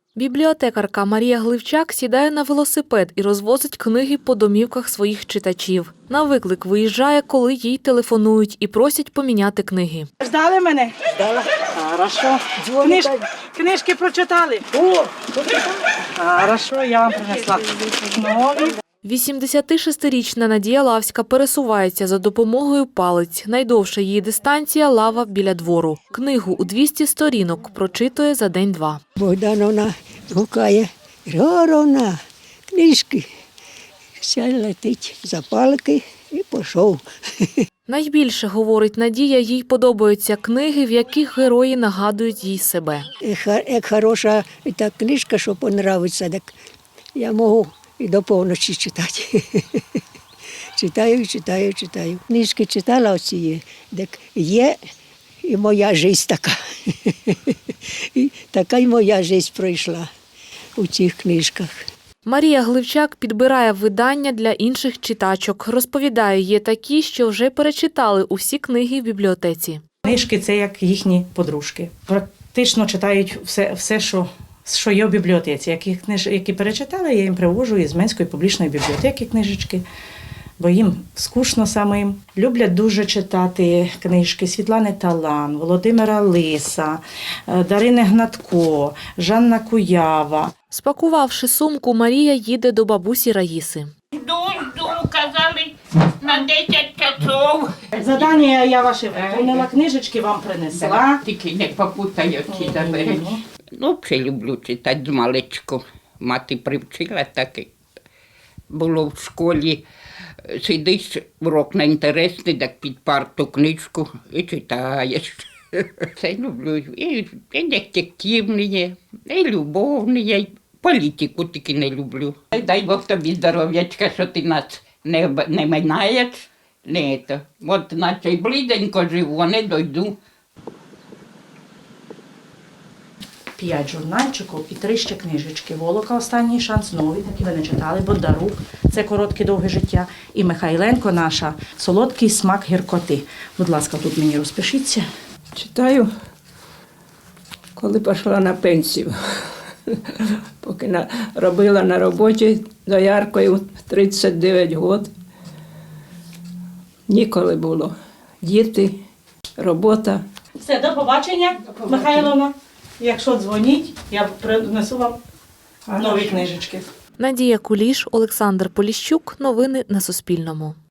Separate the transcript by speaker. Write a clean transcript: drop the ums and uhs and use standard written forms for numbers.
Speaker 1: Бібліотекарка Марія Гливчак сідає на велосипед і розвозить книги по домівках своїх читачів. На виклик виїжджає, коли їй телефонують і просять поміняти книги.
Speaker 2: Ждали мене? Ждала. Хорошо. Книжки прочитали? О, хорошо, я вам принесла. Нові.
Speaker 1: 86-річна Надія Лавська пересувається за допомогою палиць. Найдовша її дистанція – лава біля двору. Книгу у 200 сторінок прочитує за день-два.
Speaker 3: Богдановна гукає: Григоровна, книжки. Все летить за палки і пішов.
Speaker 1: Найбільше, говорить Надія, їй подобаються книги, в яких герої нагадують їй себе.
Speaker 3: Як хороша та книжка, що подобається, так я можу і до повночі читати. Читаю. Книжки читала оці, так є і моя життя така. І така й моя життя пройшла у цих книжках.
Speaker 1: Марія Гливчак підбирає видання для інших читачок. Розповідає, є такі, що вже перечитали усі книги в бібліотеці.
Speaker 2: Книжки – це як їхні подружки. Практично читають все, що є в бібліотеці. Які перечитали, я їм привожу із Менської публічної бібліотеки книжечки, бо їм скучно самим. Люблять дуже читати книжки Світлани Талан, Володимира Лиса, Дарини Гнатко, Жанна Куява.
Speaker 1: Спакувавши сумку, Марія їде до бабусі Раїси.
Speaker 4: Жду, казали, на 10 часов.
Speaker 2: Задання я ваше виконала, книжечки вам принесла.
Speaker 4: Тільки не попутай очі забери. Ну, взагалі люблю читати з маличку. Мати привчила так. Було в школі. Сидиш, урок не інтересний, так під парту книжку і читаєш. Це люблю. І детективні, і любовні, і політику тільки не люблю. Дай Бог тобі здоров'ячка, що ти нас не минаєш. От наче й бліденько живу, а не дойду.
Speaker 2: 5 журнальчиків і 3 ще книжечки. «Волока. Останній шанс», нові, такі ви не читали, «Бондарук», це «Коротке довге життя». І Михайленко наша «Солодкий смак гіркоти». Будь ласка, тут мені розпишіться.
Speaker 5: Читаю, коли пішла на пенсію. Поки робила на роботі дояркою 39 років. Ніколи було. Діти, робота.
Speaker 2: Все, до побачення, Михайловна. Якщо дзвоніть, я принесу вам нові книжечки.
Speaker 1: Надія Куліш, Олександр Поліщук. Новини на Суспільному.